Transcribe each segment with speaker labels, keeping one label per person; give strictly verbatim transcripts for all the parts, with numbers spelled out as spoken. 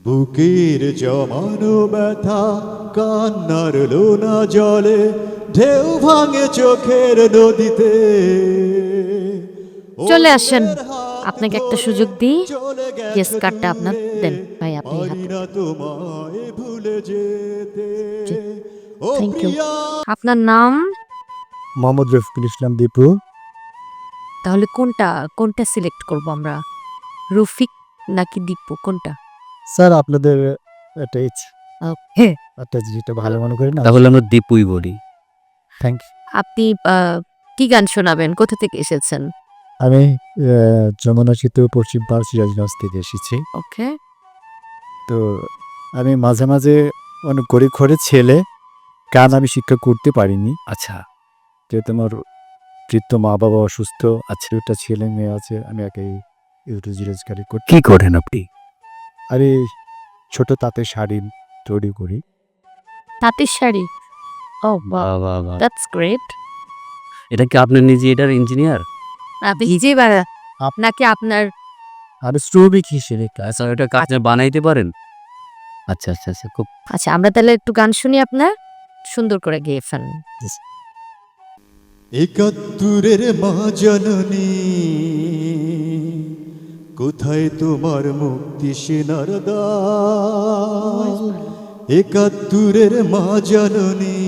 Speaker 1: বুকের জমানো ব্যথা কান্নার লোনা জলে ঢেউ ভাঙে চোখের নদীতে।
Speaker 2: চলে আসেন, আপনাকে একটা সুযোগ দিই। গেস কার্ডটা আপনার দেন ভাই, আপনি হাতে
Speaker 1: তোমায় ভুলে যেতে।
Speaker 2: Thank you. আপনার নাম?
Speaker 3: মোহাম্মদ রফিকুল ইসলাম দীপু।
Speaker 2: তাহলে কোনটা কোনটা সিলেক্ট করব আমরা, রফিক নাকি দীপু, কোনটা?
Speaker 3: স্যার আপনাদের এটা
Speaker 2: ওকে,
Speaker 3: একটা যেটা ভালো মনে করেন
Speaker 4: তাহলে আমরা দীপুই বলি।
Speaker 3: Thank you.
Speaker 2: আপনি আহ, কি গান শোনাবেন, কোথা থেকে এসেছেন?
Speaker 3: আমি আহ, যমুনা সেতু পশ্চিম পাড় সিরাজগঞ্জ থেকে এসেছি।
Speaker 2: ওকে,
Speaker 3: তো আমি মাঝে মাঝে অনেক গরিব ঘরের ছেলে, গান আমি শিক্ষা করতে পারিনি।
Speaker 4: আচ্ছা
Speaker 3: যেহেতু আমার বৃদ্ধ মা বাবা অসুস্থ, আছে দুটা ছেলে মেয়ে আছে, আমি একাই রুজি রোজগারি করতে।
Speaker 4: কি করেন আপনি?
Speaker 3: আমি ছোট তাঁতের শাড়ি তৈরি করি।
Speaker 2: তাঁতের শাড়ি। ও বাহ,
Speaker 4: বাহ, বাহ, বাহ।
Speaker 2: That's great.
Speaker 4: এটা কি আপনি নিজে এটার ইঞ্জিনিয়ার?
Speaker 2: আপনি নিজেই বানা নাকি আপনার?
Speaker 3: আর শ্রমিক হিসেবে কাজ।
Speaker 4: আচ্ছা এটা কাজ বানাইতে পারেন? আচ্ছা আচ্ছা আচ্ছা খুব
Speaker 2: আচ্ছা, আমরা তাহলে একটু গান শুনি, আপনার সুন্দর করে গেয়ে ফেলেন।
Speaker 1: একাত্তরের মা জননী, কোথায় তোমার মুক্তি সেনার দ্বার? একাত্তরের মা জননী,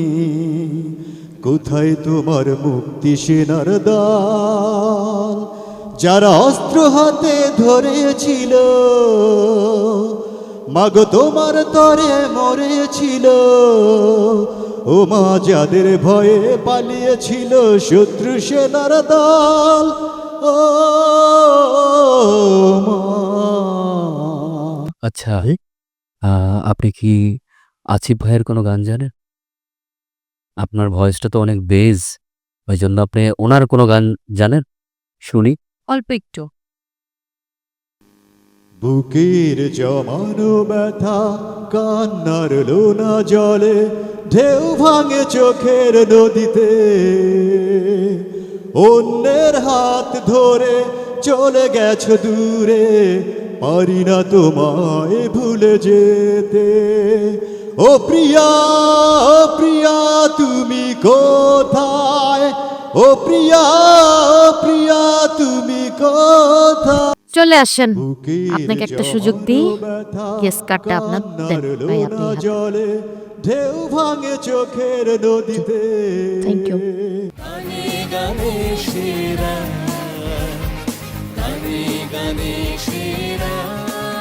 Speaker 1: কোথায় তোমার মুক্তি সেনার দ্বার? যারা অস্ত্র হাতে ধরেছিল, মাগো তোমার তরে মরেছিল। ও মা, যাদের ভয়ে পালিয়েছিল শত্রু সেনার দল। ও মা।
Speaker 4: আচ্ছা আহ, আপনি কি আসিফ ভাইয়ের কোনো গান জানেন? আপনার ভয়েসটা তো অনেক বেজ, ওই জন্য আপনি ওনার কোনো গান জানেন? শুনি।
Speaker 2: অল্প একটু।
Speaker 1: বুকের জমানো ব্যথা কান্নার লোনা জলে ঢেউ ভাঙে চোখের নদীতে। অন্যের হাত ধরে চলে গেছো দূরে, পারি না তোমায় ভুলে যেতে। ও প্রিয়া, ও প্রিয়া তুমি কোথায়? ও প্রিয়া, ও প্রিয়া তুমি কোথায়?
Speaker 2: চলে আসেন,
Speaker 1: বুকের
Speaker 2: আপনাকে একটা সুযোগ দিই।
Speaker 1: জমানো ব্যথা
Speaker 2: গেস কার্ডটা আপনার দেন
Speaker 1: কান্নার
Speaker 2: ভাই, আপনি
Speaker 1: লোনা
Speaker 2: হাতে
Speaker 1: জলে ঢেউ ভাঙে চোখের নদীতে।
Speaker 2: Thank you.
Speaker 5: গানে গানে সেরা, গানে গানে সেরা।